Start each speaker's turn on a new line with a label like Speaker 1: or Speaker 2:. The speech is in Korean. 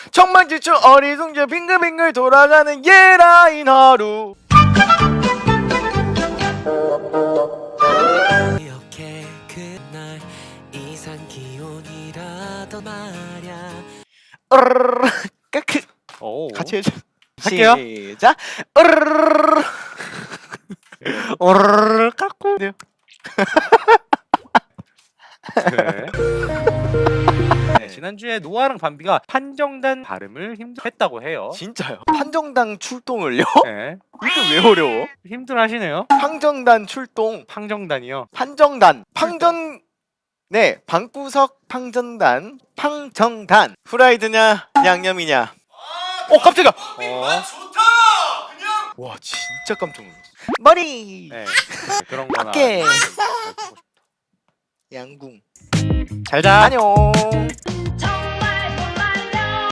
Speaker 1: 청만지축 어리둥절 빙글빙글 돌아가는 예라인 하루.
Speaker 2: 이렇게 그날 이상 기온이라던 말야.
Speaker 1: 까크.
Speaker 3: 오.
Speaker 1: 같이 해줘.
Speaker 3: 할게요.
Speaker 1: 시작. 오르르 까꾸.
Speaker 3: 네. 네, 지난주에 노아랑 밤비가 판정단 발음을 힘들었다고 해요.
Speaker 1: 진짜요? 판정단 출동을요?
Speaker 3: 네.
Speaker 1: 이게 왜 어려워?
Speaker 3: 힘들어하시네요.
Speaker 1: 판정단 출동.
Speaker 3: 판정단이요.
Speaker 1: 판정단. 팡전. 네, 방구석 팡전단. 팡정단. 후라이드냐 양념이냐. 깜짝이야. 와 진짜 깜짝 놀랐어. 머리.
Speaker 3: 네. 그런 거나.
Speaker 1: 어깨. 양궁.
Speaker 3: 잘자.
Speaker 1: 안녕.